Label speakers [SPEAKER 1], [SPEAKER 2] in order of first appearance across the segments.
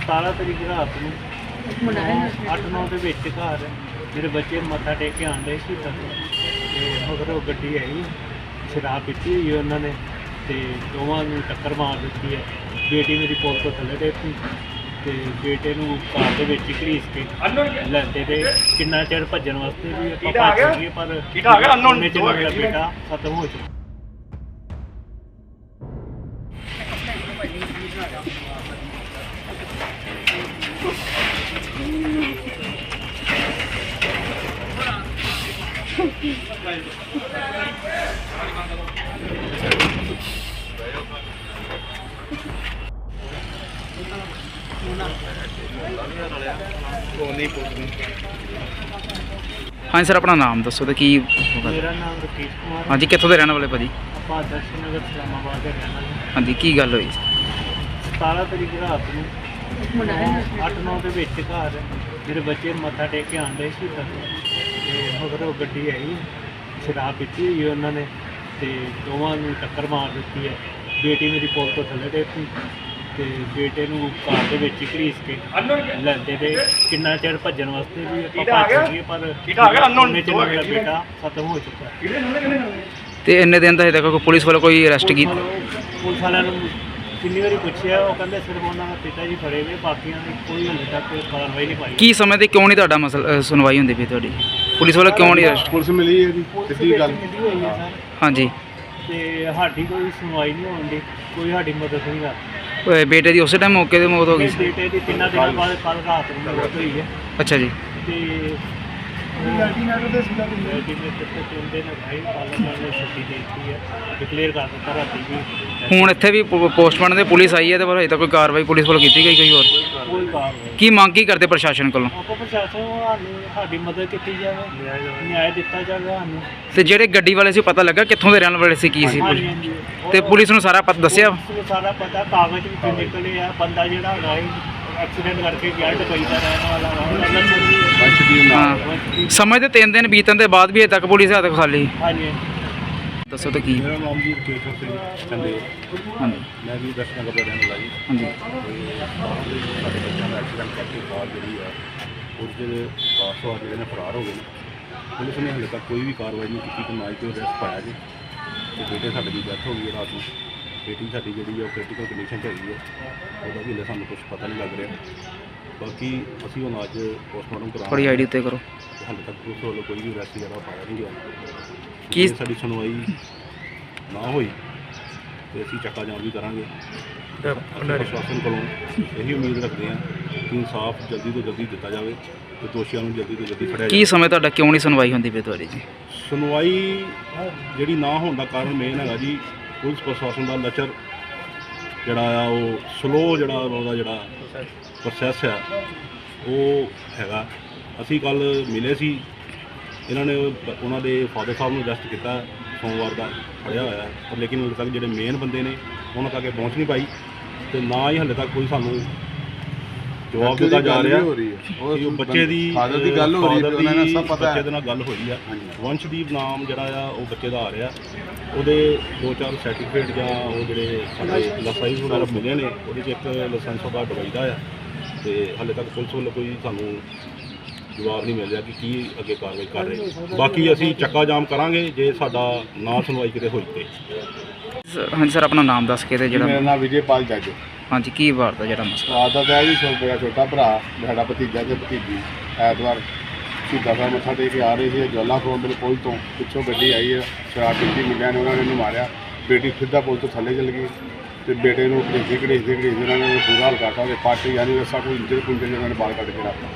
[SPEAKER 1] 17 ਤਰੀਕ ਰਾਤ ਨੂੰ 8-9 ਦੇ ਵਿੱਚ ਘਰ ਮੇਰੇ ਬੱਚੇ ਮੱਥਾ ਟੇਕ ਕੇ ਆਉਂਦੇ ਸੀ ਤੱਕ ਤੇ ਮਗਰ ਉਹ ਗੱਡੀ ਆਈ, ਸ਼ਰਾਬ ਪੀਤੀ ਹੋਈ ਉਹਨਾਂ ਨੇ ਤੇ ਦੋਵਾਂ ਨੂੰ ਟੱਕਰ ਮਾਰ ਦਿੱਤੀ ਹੈ। ਬੇਟੀ ਮੇਰੀ ਪੁਲ ਤੋਂ ਥੱਲੇ ਡਿੱਗੀ ਤੇ ਬੇਟੇ ਨੂੰ ਕਾਰ ਦੇ ਵਿੱਚ ਹੀ ਘੜੀਸ ਕੇ ਲੈਂਦੇ ਤੇ ਕਿੰਨਾ ਚਿਰ ਭੱਜਣ ਵਾਸਤੇ ਵੀ ਆਪਾਂ ਭੱਜ ਗਏ ਪਰ ਉਹਨੇ ਚ ਮੇਰਾ ਬੇਟਾ ਖਤਮ ਹੋ ਚੁੱਕਾ।
[SPEAKER 2] हाँ सर, अपना नाम दसो तो की?
[SPEAKER 1] मेरा नाम रकेश कुमार।
[SPEAKER 2] हाँ जी, कितों के रहने वाले भाजी?
[SPEAKER 1] ਆਪਾਂ ਦਰਸ਼ਨ ਨਗਰ ਇਸਲਾਮਾਬਾਦ ਦੇ ਰਹਿਣ ਵਾਲੇ।
[SPEAKER 2] हाँ जी, की गल हुई?
[SPEAKER 1] 17 ਤਰੀਕ ਰਾਤ ਨੂੰ 8-9 ਦੇ ਵਿੱਚ ਘਰ ਮੇਰੇ ਬੱਚੇ ਮੱਥਾ ਟੇਕ ਕੇ ਆਉਂਦੇ ਸੀ ਤੱਕ ਤੇ ਮਗਰ ਉਹ ਗੱਡੀ ਆਈ, ਸ਼ਰਾਬ ਪੀਤੀ ਹੋਈ ਉਹਨਾਂ ਨੇ ਤੇ ਦੋਵਾਂ ਨੂੰ ਟੱਕਰ ਮਾਰ ਦਿੱਤੀ ਹੈ। ਬੇਟੀ ਮੇਰੀ ਪੁਲ ਤੋਂ ਥੱਲੇ ਡਿੱਗੀ ਤੇ ਬੇਟੇ ਨੂੰ ਕਾਰ ਦੇ ਵਿੱਚ ਹੀ ਘੜੀਸ ਕੇ ਲੈਂਦੇ ਤੇ ਕਿੰਨਾ ਚਿਰ ਭੱਜਣ ਵਾਸਤੇ ਵੀ ਆਪਾਂ ਭੱਜ ਗਏ ਪਰ ਉਹਨੇ ਚ ਮੇਰਾ ਬੇਟਾ ਖਤਮ ਹੋ ਚੁੱਕਾ।
[SPEAKER 2] ਤੇ ਇੰਨੇ ਦਿਨ ਦਾ ਹਜੇ ਤੱਕ ਕੋਈ ਪੁਲਿਸ ਵੱਲੋਂ ਕੋਈ ਅਰੈਸਟ ਕੀਤਾ?
[SPEAKER 1] ਪੁਲਿਸ ਵਾਲਿਆਂ ਨੂੰ ਕਿੰਨੀ ਵਾਰੀ ਪੁੱਛਿਆ, ਉਹ ਕਹਿੰਦੇ ਸਿਰਫ ਉਹਨਾਂ ਦਾ ਪਿਤਾ ਜੀ ਫੜੇ ਨੇ, ਬਾਕੀਆਂ ਦੀ ਕੋਈ ਹਾਲੇ ਤੱਕ ਕਾਰਵਾਈ ਨਹੀਂ ਪਾਈ।
[SPEAKER 2] ਕੀ ਸਮੇਂ ਤੇ ਕਿਉਂ ਨਹੀਂ ਤੁਹਾਡਾ ਮਸਲਾ ਸੁਣਵਾਈ ਹੁੰਦੀ ਪਈ ਤੁਹਾਡੀ? ਪੁਲਿਸ ਵੱਲੋਂ ਕਿਉਂ ਨਹੀਂ ਅਰੈਸਟ?
[SPEAKER 3] ਪੁਲਿਸ ਮਿਲੀ ਹੈ ਜੀ, ਸਿੱਧੀ ਗੱਲ।
[SPEAKER 1] ਮਿਲੀ ਹੋਈ ਹੈ ਸਰ
[SPEAKER 2] ਹਾਂਜੀ,
[SPEAKER 1] ਤੇ ਸਾਡੀ ਕੋਈ ਸੁਣਵਾਈ ਨਹੀਂ ਹੋਣ ਦੀ, ਕੋਈ ਸਾਡੀ ਮਦਦ ਨਹੀਂ ਕਰਦਾ।
[SPEAKER 2] ਬੇਟੇ ਦੀ ਉਸੇ ਟਾਈਮ ਮੌਕੇ ਤੇ ਮੌਤ ਹੋ ਗਈ ਸੀ?
[SPEAKER 1] ਬੇਟੇ ਦੀ 3 ਦਿਨਾਂ ਬਾਅਦ ਕੱਲ ਰਾਤ ਨੂੰ ਮੌਤ ਹੋਈ ਹੈ
[SPEAKER 2] ਅੱਛਾ ਜੀ।
[SPEAKER 1] ਤੇ ਅਲਟੀਮੇਟ ਤੇ 3 ਦਿਨ ਭਾਈ ਪਾਲਣਾ ਨੇ ਛੁੱਟੀ ਦੇ ਦਿੱਤੀ ਹੈ, ਡਿਕਲੇਅਰ ਕਰ ਦਿੱਤਾ ਰਾਤੀ ਵੀ।
[SPEAKER 2] ਹੁਣ ਇੱਥੇ ਵੀ ਪੋਸਟਮਾਰਟਮ ਤੇ ਪੁਲਿਸ ਆਈ ਹੈ ਤੇ ਪਰ ਹਜੇ ਤੱਕ ਕੋਈ ਕਾਰਵਾਈ ਪੁਲਿਸ ਵੱਲੋਂ ਕੀਤੀ ਗਈ ਕੋਈ ਹੋਰ?
[SPEAKER 1] ਕੋਈ ਕਾਰਵਾਈ
[SPEAKER 2] ਕੀ ਮੰਗ ਕੀ ਕਰਦੇ ਪ੍ਰਸ਼ਾਸਨ ਕੋਲੋਂ?
[SPEAKER 1] ਆਪਾਂ ਪ੍ਰਸ਼ਾਸਨ ਨੂੰ ਸਾਨੂੰ ਸਾਡੀ ਮਦਦ ਕੀਤੀ ਜਾਵੇ, ਨਿਆਂ ਦਿੱਤਾ ਜਾਵੇ ਸਾਨੂੰ।
[SPEAKER 2] ਤੇ ਜਿਹੜੇ ਗੱਡੀ ਵਾਲੇ ਸੀ ਪਤਾ ਲੱਗਾ ਕਿੱਥੋਂ ਦੇ ਰਹਿਣ ਵਾਲੇ ਸੀ, ਕੀ ਸੀ?
[SPEAKER 1] ਹਾਂਜੀ, ਹਾਂਜੀ।
[SPEAKER 2] ਤੇ ਪੁਲਿਸ ਨੂੰ ਸਾਰਾ ਪਤਾ ਦੱਸਿਆ?
[SPEAKER 1] ਪੁਲਿਸ ਨੂੰ ਸਾਰਾ ਪਤਾ, ਕਾਗਜ਼ ਵੀ ਨਿਕਲੇ ਆ, ਬੰਦਾ ਜਿਹੜਾ ਹੈਗਾ ਐਕਸੀਡੈਂਟ ਕਰਕੇ ਗਿਆ ਦੁਬਈ ਦਾ ਰਹਿਣ ਵਾਲਾ
[SPEAKER 2] ਹਾਂ, ਸਮੇਂ ਤੇ 3 ਦਿਨ ਬੀਤਣ ਦੇ ਬਾਅਦ ਵੀ ਹਜੇ ਤੱਕ ਪੁਲਿਸ ਹੱਥ ਖਾਲੀ।
[SPEAKER 1] ਹਾਂਜੀ।
[SPEAKER 2] ਦੱਸੋ ਤਾਂ ਕੀ?
[SPEAKER 3] ਮੇਰਾ ਨਾਮ ਜੀ ਰਕੇਸ਼ ਸਿੰਘ ਚੰਦੇ,
[SPEAKER 2] ਹਾਂਜੀ
[SPEAKER 3] ਮੈਂ ਵੀ ਦਰਸ਼ਨ ਨਗਰ ਦਾ ਰਹਿਣ ਵਾਲਾ ਜੀ।
[SPEAKER 2] ਹਾਂਜੀ
[SPEAKER 3] ਤੇ ਸਾਡੇ ਬੱਚਿਆਂ ਦਾ ਐਕਸੀਡੈਂਟ ਕਰਕੇ ਕਾਰ ਜਿਹੜੀ ਆ ਉਹਦੇ ਕਾਰਸਵਾਰ ਜਿਹੜੇ ਨੇ ਫਰਾਰ ਹੋ ਗਏ ਨੇ। ਪੁਲਿਸ ਨੇ ਹਾਲੇ ਤੱਕ ਕੋਈ ਵੀ ਕਾਰਵਾਈ ਨਹੀਂ ਕੀਤੀ ਤੇ ਨਾ ਹੀ ਕੋਈ ਅਰੈਸਟ ਪਾਇਆ ਜੀ। ਤੇ ਬੇਟੇ ਸਾਡੇ ਦੀ ਡੈਥ ਹੋ ਗਈ ਹੈ ਰਾਤ ਨੂੰ। ਬੇਟੀ ਸਾਡੀ ਜਿਹੜੀ ਆ ਉਹ ਕ੍ਰਿਟੀਕਲ ਕੰਡੀਸ਼ਨ 'ਚ ਹੈਗੀ ਹੈ, ਉਹਦਾ ਵੀ ਹਾਲੇ ਸਾਨੂੰ ਕੁਝ ਪਤਾ ਨਹੀਂ ਲੱਗ ਰਿਹਾ। ਬਾਕੀ ਅਸੀਂ ਹੁਣ ਅੱਜ ਪੋਸਟਮਾਰਟਮ
[SPEAKER 2] ਥੋੜੀ
[SPEAKER 3] ਕਰਾਉਣਾ,
[SPEAKER 2] ਆਈਡੀ ਉੱਤੇ ਕਰੋ।
[SPEAKER 3] ਹਾਲੇ ਤੱਕ ਪੁਲਿਸ ਵੱਲੋਂ ਕੋਈ ਵੀ ਅਰੈਸਟ ਜਿਹੜਾ ਪਾਇਆ ਨਹੀਂ ਗਿਆ।
[SPEAKER 2] ਕੀ
[SPEAKER 3] ਜੇ ਸਾਡੀ ਸੁਣਵਾਈ ਨਾ ਹੋਈ ਤੇ ਅਸੀਂ ਚੱਕਾ ਜਾਮ ਵੀ ਕਰਾਂਗੇ। ਪ੍ਰਸ਼ਾਸਨ ਕੋਲੋਂ ਇਹੀ ਉਮੀਦ ਰੱਖਦੇ ਹਾਂ ਕਿ ਇਨਸਾਫ ਜਲਦੀ ਤੋਂ ਜਲਦੀ ਦਿੱਤਾ ਜਾਵੇ ਤੇ ਦੋਸ਼ੀਆਂ ਨੂੰ ਜਲਦੀ ਤੋਂ ਜਲਦੀ ਫੜਿਆ
[SPEAKER 2] ਕੀ
[SPEAKER 3] ਜਾਵੇ।
[SPEAKER 2] ਸਮੇਂ ਤੁਹਾਡਾ ਕਿਉਂ ਨਹੀਂ ਸੁਣਵਾਈ ਹੁੰਦੀ ਪਈ ਤੁਹਾਡੀ ਜੀ?
[SPEAKER 3] ਸੁਣਵਾਈ ਜਿਹੜੀ ਨਾ ਹੋਣ ਦਾ ਕਾਰਨ ਮੇਨ ਹੈਗਾ ਜੀ ਪੁਲਿਸ ਪ੍ਰਸ਼ਾਸਨ ਦਾ ਲਚਰ ਜਿਹੜਾ ਆ, ਉਹ ਸਲੋ ਜਿਹੜਾ ਉਹਦਾ ਜਿਹੜਾ ਪ੍ਰੋਸੈਸ ਆ ਉਹ ਹੈਗਾ। ਅਸੀਂ ਕੱਲ ਮਿਲੇ ਸੀ, ਇਹਨਾਂ ਨੇ ਉਹਨਾਂ ਦੇ ਫਾਦਰ ਸਾਹਿਬ ਨੂੰ ਅਰੈਸਟ ਕੀਤਾ ਸੋਮਵਾਰ ਦਾ, ਫੜਿਆ ਹੋਇਆ ਪਰ ਲੇਕਿਨ ਹਾਲੇ ਤੱਕ ਜਿਹੜੇ ਮੇਨ ਬੰਦੇ ਨੇ ਉਹਨਾਂ ਤੱਕ ਪਹੁੰਚ ਨਹੀਂ ਪਾਈ ਤੇ ਨਾ ਹੀ ਹਾਲੇ ਤੱਕ ਕੋਈ ਸਾਨੂੰ ਜਵਾਬ ਦਿੱਤਾ ਜਾ ਰਿਹਾ। ਉਹ ਬੱਚੇ ਦੀ ਫਾਦਰ ਦੀ ਗੱਲ ਹੋ ਰਹੀ ਹੈ, ਉਹਨਾਂ ਨੂੰ ਸਭ ਪਤਾ ਹੈ।
[SPEAKER 1] ਬੱਚੇ ਦੇ ਨਾਲ ਗੱਲ ਹੋਈ ਆ, ਵੰਸ਼ਦੀਪ ਨਾਮ ਜਿਹੜਾ ਆ ਉਹ ਬੱਚੇ ਦਾ ਆ ਰਿਹਾ। ਉਹਦੇ 2-4 ਸਰਟੀਫਿਕੇਟ ਜਾਂ ਉਹ ਜਿਹੜੇ ਸਾਡੇ ਲਾਇਸੈਂਸ ਵਗੈਰਾ ਮਿਲੇ ਨੇ, ਉਹਦੇ 'ਚ ਇੱਕ ਲਾਇਸੈਂਸ ਉਹਦਾ ਦੁਬਈ ਦਾ ਆ ਤੇ ਹਾਲੇ ਤੱਕ ਪੁਲਿਸ ਵੱਲੋਂ ਕੋਈ ਸਾਨੂੰ ਜਵਾਬ ਨਹੀਂ ਮਿਲ ਰਿਹਾ ਕਿ ਕੀ ਅੱਗੇ ਕਾਰਵਾਈ ਕਰ ਰਹੇ। ਬਾਕੀ ਅਸੀਂ ਚੱਕਾ ਜਾਮ ਕਰਾਂਗੇ ਜੇ ਸਾਡਾ ਨਾ ਸੁਣਵਾਈ ਕਿਤੇ ਹੋਈ ਤੇ।
[SPEAKER 2] ਹਾਂਜੀ ਸਰ, ਆਪਣਾ ਨਾਮ ਦੱਸ ਕੇ ਤੇ
[SPEAKER 3] ਮੇਰਾ
[SPEAKER 2] ਜਿਹੜਾ
[SPEAKER 3] ਨਾਮ ਵਿਜੇਪਾਲ ਜੱਜ।
[SPEAKER 2] ਹਾਂਜੀ, ਕੀ ਵਾਰ ਦਾ ਜਿਹੜਾ ਮਸਲਾ?
[SPEAKER 3] ਆਦਾ ਤਾਂ ਜੀ ਮੇਰਾ ਛੋਟਾ ਭਰਾ, ਸਾਡਾ ਭਤੀਜਾ ਤੇ ਭਤੀਜੀ ਐਤਵਾਰ ਸ਼ਹੀਦਾਂ ਸਾਹਿਬ ਮੱਥਾ ਟੇਕ ਕੇ ਆ ਰਹੇ ਸੀ। ਜਵਾਲਾ ਫਰੋਮ ਦੇ ਪੁਲ ਤੋਂ ਪਿੱਛੋਂ ਗੱਡੀ ਆਈ ਹੈ, ਸ਼ਰਾਬ ਪੀਤੀ ਮੁੰਡਿਆਂ ਨੇ, ਉਹਨਾਂ ਨੇ ਇਹਨੂੰ ਮਾਰਿਆ। ਬੇਟੀ ਸਿੱਧਾ ਪੁਲ ਤੋਂ ਥੱਲੇ ਚਲ ਗਈ ਤੇ ਬੇਟੇ ਨੂੰ ਘੜੀਸਦੇ ਉਹਨਾਂ ਨੇ ਬੁਰਾ ਹਾਲ ਕਰਤਾ। ਉਹਦੇ ਪੱਟ ਯਾਨੀ ਰਸਾ ਕੋਈ ਇੰਜਰ ਪੁੰਜਰ ਉਹਨਾਂ ਨੇ ਬਾਹਰ ਕੱਢ ਕੇ ਰੱਖਤਾ।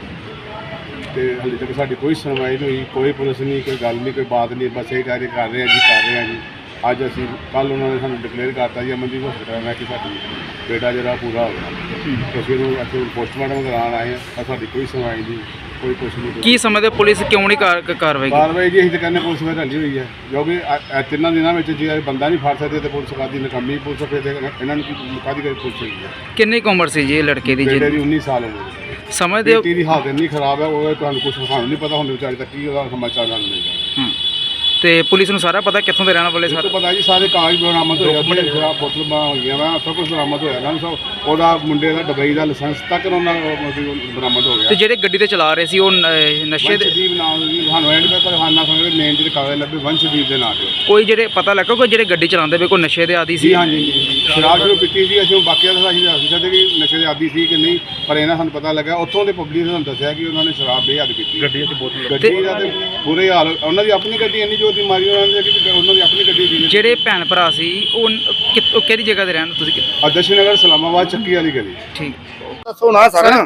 [SPEAKER 3] ਤੇ ਹਾਲੇ ਤੱਕ ਸਾਡੀ ਕੋਈ ਸੁਣਵਾਈ ਨਹੀਂ ਹੋਈ, ਕੋਈ ਪੁਲਿਸ ਨਹੀਂ, ਕੋਈ ਗੱਲ ਨਹੀਂ, ਕੋਈ ਬਾਤ ਨਹੀਂ। ਬਸ ਇਹ ਕਾਰਜ ਕਰ ਰਹੇ ਆ ਜੀ, ਕਰ ਰਹੇ ਆ ਜੀ। ਅੱਜ ਅਸੀਂ ਕੱਲ੍ਹ ਉਹਨਾਂ ਨੇ ਸਾਨੂੰ ਡਿਕਲੇਅਰ ਕਰਤਾ ਜੀ ਅਮਨਦੀਪ ਹਸਪਤਾਲ ਮੈਂ ਕਿ ਸਾਡੀ ਬੇਟਾ ਜਿਹੜਾ ਪੂਰਾ ਹੋ ਗਿਆ। ਅਸੀਂ ਉਹਨੂੰ ਇੱਥੇ ਪੋਸਟਮਾਰਟਮ ਕਰਾਉਣ ਆਏ ਹਾਂ ਪਰ ਸਾਡੀ ਕੋਈ ਸੁਣਵਾਈ ਨਹੀਂ, ਕੋਈ ਕੁਛ ਨਹੀਂ।
[SPEAKER 2] ਕੀ ਸਮੇਂ ਤੇ ਪੁਲਿਸ ਕਿਉਂ ਨਹੀਂ ਕਾਰਵਾਈ ਕੀਤੀ?
[SPEAKER 3] ਕਾਰਵਾਈ ਜੀ ਅਸੀਂ ਤਾਂ ਕਹਿੰਦੇ ਪੁਲਿਸ ਵਿੱਚ ਢਲੀ ਹੋਈ ਹੈ, ਕਿਉਂਕਿ 3 ਦਿਨਾਂ ਵਿੱਚ ਜੇ ਬੰਦਾ ਨਹੀਂ ਫੜ ਸਕਦੇ ਤੇ ਪੁਲਿਸ ਕਾਦੀ ਨਕਾਮੀ ਪੁਲਿਸ ਫਿਰ ਇਹਨਾਂ ਨੂੰ ਕਾਦੀ ਕਰ ਪੁਲਿਸ ਹੋਈ ਹੈ।
[SPEAKER 2] ਕਿੰਨੀ ਕੁ ਉਮਰ ਸੀ ਜੀ ਇਹ ਲੜਕੇ ਦੀ?
[SPEAKER 3] ਬੇਟੇ ਦੀ 19 ਸਾਲ ਉਮਰ।
[SPEAKER 2] ਸਮਝਦੇ ਹੋ?
[SPEAKER 3] ਬੇਟੀ ਦੀ ਹਾਲਤ ਇੰਨੀ ਖਰਾਬ ਹੈ, ਉਹ ਤੁਹਾਨੂੰ ਕੁਝ ਸਾਨੂੰ ਨਹੀਂ ਪਤਾ ਹੁੰਦੇ ਵਿਚਾਰੇ ਤੱਕ ਕੀ ਉਹਦਾ ਸਮਾਚਾਰ ਨਾਲ ਮਿਲ ਜਾਣਾ।
[SPEAKER 2] ਤੇ ਪੁਲਿਸ ਨੂੰ ਸਾਰਾ ਪਤਾ ਕਿੱਥੋਂ ਦੇ ਰਹਿਣ ਵਾਲੇ
[SPEAKER 3] ਇਹ
[SPEAKER 2] ਸਰ?
[SPEAKER 3] ਤਾਂ ਪਤਾ ਜੀ ਸਾਰੇ ਕਾਗਜ਼ ਬਰਾਮਦ ਹੋਏ ਆ, ਬੜੇ ਸ਼ਰਾਬ ਬੋਤਲਾਂ ਹੋਈਆਂ ਵਾ, ਸਭ ਕੁਝ ਬਰਾਮਦ ਹੋਇਆ ਨਾ, ਸਭ ਉਹਦਾ ਮੁੰਡੇ ਦਾ ਦੁਬਈ ਦਾ ਲਾਇਸੈਂਸ ਤੱਕ ਉਹਨਾਂ ਬਰਾਮਦ ਹੋ
[SPEAKER 2] ਤੇ
[SPEAKER 3] ਗਿਆ।
[SPEAKER 2] ਜਿਹੜੇ ਗੱਡੀ ਤੇ ਚਲਾ ਰਹੇ ਸੀ ਉਹ ਨਸ਼ੇ ਦੇ
[SPEAKER 3] ਵੰਸ਼ਦੀਪ ਨਾਮ ਜੀ ਸਾਨੂੰ ਐਂਡ ਪਰ ਹਾਨਾ ਸਮਝਦੇ ਮੇਨ ਜਿਹੜੇ ਕਾਗਜ਼ ਲੱਭੇ ਵੰਸ਼ਦੀਪ ਦੇ ਨਾਂ ਤੇ।
[SPEAKER 2] ਕੋਈ ਜਿਹੜੇ ਪਤਾ ਲੱਗਾ ਕੋਈ ਜਿਹੜੇ ਗੱਡੀ ਚਲਾਉਂਦੇ ਵੇ ਕੋਈ ਨਸ਼ੇ ਦੇ ਆਦੀ ਸੀ?
[SPEAKER 3] ਜੀ ਹਾਂਜੀ ਸ਼ਰਾਬ ਸ਼ੁਰੂ ਪੀਤੀ ਸੀ, ਅਸੀਂ ਬਾਕੀਆਂ ਦਾ ਅਸੀਂ ਦੱਸ ਸਕਦੇ ਕਿ ਨਸ਼ੇ ਦੇ ਆਦੀ ਸੀ ਕਿ ਨਹੀਂ, ਪਰ ਇਹਨਾਂ ਸਾਨੂੰ ਪਤਾ ਲੱਗਾ ਉੱਥੋਂ ਦੇ ਪਬਲਿਕ ਨੇ ਸਾਨੂੰ ਦੱਸਿਆ ਕਿ ਉਹਨਾਂ ਨੇ ਸ਼ਰਾਬ ਬੇਹੱਦ ਪੀਤੀ। ਗੱਡੀ ਦੀ ਬੋਤਲ ਗੱਡੀ ਦਾ ਤੇ ਬੁਰੇ ਹਾਲ, ਉਹਨਾਂ ਦੀ ਆਪਣੀ ਗੱਡੀ ਇੰਨੀ ਜ਼ੋਰ ਦੀ ਮਾਰੀ ਉਹਨਾਂ ਨੇ ਕਿ ਉਹਨਾਂ ਦੀ ਆਪਣੀ ਗੱਡੀ ਸੀ।
[SPEAKER 2] ਜਿਹੜੇ ਭੈਣ ਭਰਾ ਸੀ ਉਹ ਉਹ ਕਿਹੜੀ ਜਗ੍ਹਾ ਤੇ ਰਹਿਣ ਤੁਸੀਂ?
[SPEAKER 3] ਆਦਰਸ਼ ਨਗਰ ਸਲਾਮਾਬਾਦ ਚੱਕੀ ਵਾਲੀ ਗਲੀ।
[SPEAKER 2] ਠੀਕ
[SPEAKER 3] ਦੱਸੋ ਨਾ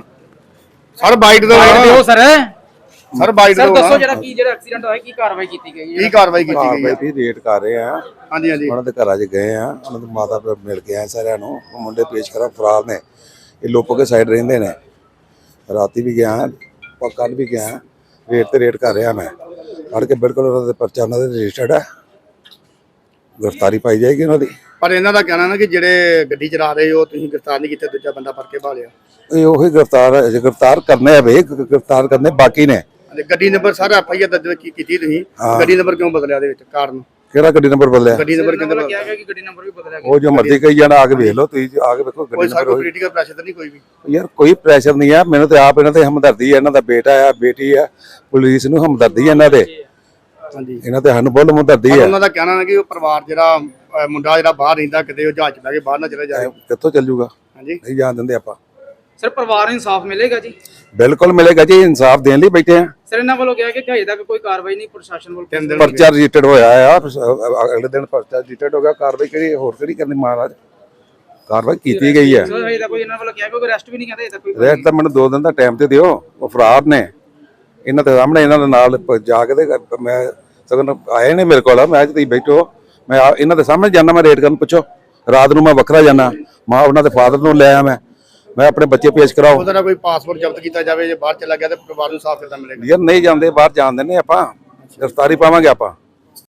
[SPEAKER 3] ਸਰ ਬਾਈਟ ਦੋ
[SPEAKER 2] ਸਰ
[SPEAKER 3] ਸਰ ਬਾਈਟ ਦੋ
[SPEAKER 2] ਦੱਸੋ ਜਿਹੜਾ ਐਕਸੀਡੈਂਟ ਹੋਇਆ ਕੀ ਕਾਰਵਾਈ ਕੀਤੀ ਗਈ ਹੈ?
[SPEAKER 3] ਕੀ ਕਾਰਵਾਈ ਕੀਤੀ ਗਈ ਹੈ?
[SPEAKER 4] ਵੀ ਰੇਟ ਕਰ ਰਹੇ ਆ।
[SPEAKER 3] ਹਾਂਜੀ ਹਾਂਜੀ
[SPEAKER 4] ਉਹਨਾਂ ਦੇ ਘਰਾਂ 'ਚ ਗਏ ਆ, ਉਹਨਾਂ ਦੇ ਮਾਤਾ ਪਿਤਾ ਮਿਲ ਕੇ ਆਏ ਸਾਰਿਆਂ ਨੂੰ। ਉਹ ਮੁੰਡੇ ਪੇਸ਼ ਕਰਾ ਫਰਾਰ ਨੇ, ਇਹ ਲੋਪੋ ਕੇ ਸਾਈਡ ਰਹਿੰਦੇ ਨੇ। ਰਾਤੀ ਵੀ ਗਿਆ, ਕੱਲ ਵੀ ਗਿਆ, ਰੇਟ ਤੇ ਰੇਟ ਕਰ ਰਿਹਾ ਮੈਂ। ਫੜ ਕੇ ਬਿਲਕੁਲ ਉਹਨਾਂ ਦੇ ਪਰਚਾ ਉਹਨਾਂ ਦੇ ਰਜਿਸਟਰਡ ਹੈ, ਗ੍ਰਿਫਤਾਰੀ ਪਾਈ ਜਾਏਗੀ ਉਹਨਾਂ ਦੀ।
[SPEAKER 3] ਪਰ ਇਹਨਾਂ ਦਾ ਕਹਿਣਾ ਨਾ ਕਿ ਜਿਹੜੇ ਗੱਡੀ ਚਲਾ ਰਹੇ ਹੋ ਤੁਸੀਂ ਗ੍ਰਿਫਤਾਰ ਨਹੀਂ ਕੀਤੇ, ਦੂਜਾ ਬੰਦਾ ਫੜ ਕੇ ਭਾਲਿਆ।
[SPEAKER 4] ਇਹ ਉਹੀ ਗ੍ਰਿਫਤਾਰ ਕਰਨੇ ਆ ਵੇ, ਗ੍ਰਿਫਤਾਰ ਕਰਨੇ ਬਾਕੀ ਨੇ।
[SPEAKER 3] ਗੱਡੀ ਨੰਬਰ ਸਾਰਾ FIR ਦਰਜ ਕੀਤੀ ਤੁਸੀਂ,
[SPEAKER 4] ਹਾਂ।
[SPEAKER 3] ਗੱਡੀ ਨੰਬਰ ਕਿਉਂ ਬਦਲਿਆ ਦੇ ਵਿੱਚ ਕਾਰਨ?
[SPEAKER 4] ਕਿਹੜਾ ਗੱਡੀ ਨੰਬਰ ਬਦਲਿਆ?
[SPEAKER 3] ਗੱਡੀ ਨੰਬਰ ਕਿੰਨਾ
[SPEAKER 2] ਕਿਹਾ ਗਿਆ ਕਿ ਗੱਡੀ ਨੰਬਰ ਵੀ ਬਦਲਿਆ ਗਿਆ।
[SPEAKER 4] ਉਹ ਜੋ ਮਰਜ਼ੀ ਕਹੀ ਜਾਣਾ, ਆ ਕੇ ਵੇਖ ਲਓ ਤੁਸੀਂ, ਆ ਕੇ ਵੇਖੋ
[SPEAKER 3] ਕੋਈ
[SPEAKER 4] ਗੱਡੀ
[SPEAKER 3] ਸਾਡਾ
[SPEAKER 4] ਨੰਬਰ।
[SPEAKER 3] ਪੋਲੀਟੀਕਲ ਪ੍ਰੈਸ਼ਰ ਤਾਂ ਨਹੀਂ ਕੋਈ ਵੀ?
[SPEAKER 4] ਯਾਰ ਕੋਈ ਪ੍ਰੈਸ਼ਰ ਨਹੀਂ ਆ, ਮੈਨੂੰ ਤੇ ਆਪ ਇਹਨਾਂ ਤੇ ਹਮਦਰਦੀ ਹੈ। ਇਹਨਾਂ ਦਾ ਬੇਟਾ ਆ, ਬੇਟੀ ਆ, ਪੁਲਿਸ ਨੂੰ ਹਮਦਰਦੀ ਹੈ ਇਹਨਾਂ ਦੇ।
[SPEAKER 3] ਹਾਂਜੀ
[SPEAKER 4] ਇਹਨਾਂ ਤੇ ਸਾਨੂੰ ਬਹੁਤ ਹਮਦਰਦੀ
[SPEAKER 3] ਪਰ
[SPEAKER 4] ਹੈ।
[SPEAKER 3] ਉਹਨਾਂ ਦਾ ਕਹਿਣਾ ਹੈ ਕਿ ਉਹ ਪਰਿਵਾਰ ਜਿਹੜਾ ਮੁੰਡਾ ਜਿਹੜਾ ਬਾਹਰ ਰਹਿੰਦਾ, ਕਿਤੇ ਉਹ ਜਹਾਜ਼ ਚ ਬਹਿ ਕੇ ਬਾਹਰ ਨਾ ਚਲੇ ਜਾਏ।
[SPEAKER 4] ਕਿੱਥੋਂ ਚੱਲ ਜੂਗਾ?
[SPEAKER 3] ਹਾਂਜੀ
[SPEAKER 4] ਨਹੀਂ ਜਾਣ ਦਿੰਦੇ ਆਪਾਂ।
[SPEAKER 2] ਸਰ ਪਰਿਵਾਰ ਨੂੰ ਇਨਸਾਫ ਮਿਲੇਗਾ ਜੀ?
[SPEAKER 4] ਬਿਲਕੁਲ ਮਿਲੇਗਾ ਜੀ, ਇਨਸਾਫ ਦੇਣ ਲਈ ਬੈਠੇ ਆ।
[SPEAKER 2] ਸਰ ਇਹਨਾਂ ਵੱਲੋਂ ਕਿਹਾ ਕਿ ਹਜੇ ਤੱਕ ਕੋਈ ਕਾਰਵਾਈ ਨਹੀਂ ਪ੍ਰਸ਼ਾਸਨ ਵੱਲੋਂ।
[SPEAKER 3] ਤਿੰਨ ਦਿਨ
[SPEAKER 4] ਪਰਚਾ ਰਜਿਸਟਰਡ ਹੋਇਆ ਆ, ਅਗਲੇ ਦਿਨ ਪਰਚਾ ਰਜਿਸਟਰਡ ਹੋ ਗਿਆ। ਕਾਰਵਾਈ ਕਿਹੜੀ ਹੋਰ ਕਿਹੜੀ ਕਰਨੀ ਮਹਾਰਾਜ? ਕਾਰਵਾਈ ਕੀਤੀ ਗਈ ਹੈ।
[SPEAKER 2] ਸਰ ਹਜੇ ਤੱਕ ਕੋਈ ਇਹਨਾਂ ਵੱਲੋਂ ਕਿਹਾ ਕੋਈ ਅਰੈਸਟ ਵੀ ਨਹੀਂ ਕਹਿੰਦੇ ਹਜੇ ਤੱਕ ਕੋਈ।
[SPEAKER 4] ਰੈਟ ਤਾਂ ਮੈਨੂੰ 2 ਦਿਨ ਦਾ ਟਾਈਮ ਤੇ ਦਿਓ। ਉਹ ਫਰਾਰ ਨੇ, ਇਹਨਾਂ ਦੇ ਸਾਹਮਣੇ ਇਹਨਾਂ ਦੇ ਨਾਲ ਜਾ ਕੇ ਤੇ ਮੈਂ ਸਗੋਂ ਆਏ ਨੇ ਮੇਰੇ ਕੋਲ। ਮੈਂ ਤੁਸੀਂ ਬੈਠੋ, ਮੈਂ ਇਹਨਾਂ ਦੇ ਸਾਹਮਣੇ ਜਾਣਾ, ਮੈਂ ਰੇਟ ਕਰਨ ਪੁੱਛੋ। ਰਾਤ ਨੂੰ ਮੈਂ ਵੱਖਰਾ ਜਾਣਾ, ਮਾਂ ਉਹਨਾਂ ਦੇ ਫਾਦਰ ਨੂੰ ਲੈ ਆਇਆ ਮੈਂ ਆਪਣੇ ਬੱਚੇ ਪੇਸ਼ ਕਰਾਓ।
[SPEAKER 3] ਉਹਦਾ ਕੋਈ ਪਾਸਪੋਰਟ ਜ਼ਬਤ ਕੀਤਾ ਜਾਵੇ, ਜੇ ਬਾਹਰ ਚਲਾ ਗਿਆ ਤੇ ਪਰਿਵਾਰ ਨੂੰ ਸਾਫ਼ ਕਿੱਦਾਂ ਮਿਲੇਗਾ?
[SPEAKER 4] ਯਾਰ ਨਹੀਂ ਜਾਂਦੇ ਬਾਹਰ, ਜਾਣ ਦਿੰਦੇ ਆਪਾਂ, ਗ੍ਰਿਫਤਾਰੀ ਪਾਵਾਂਗੇ ਆਪਾਂ।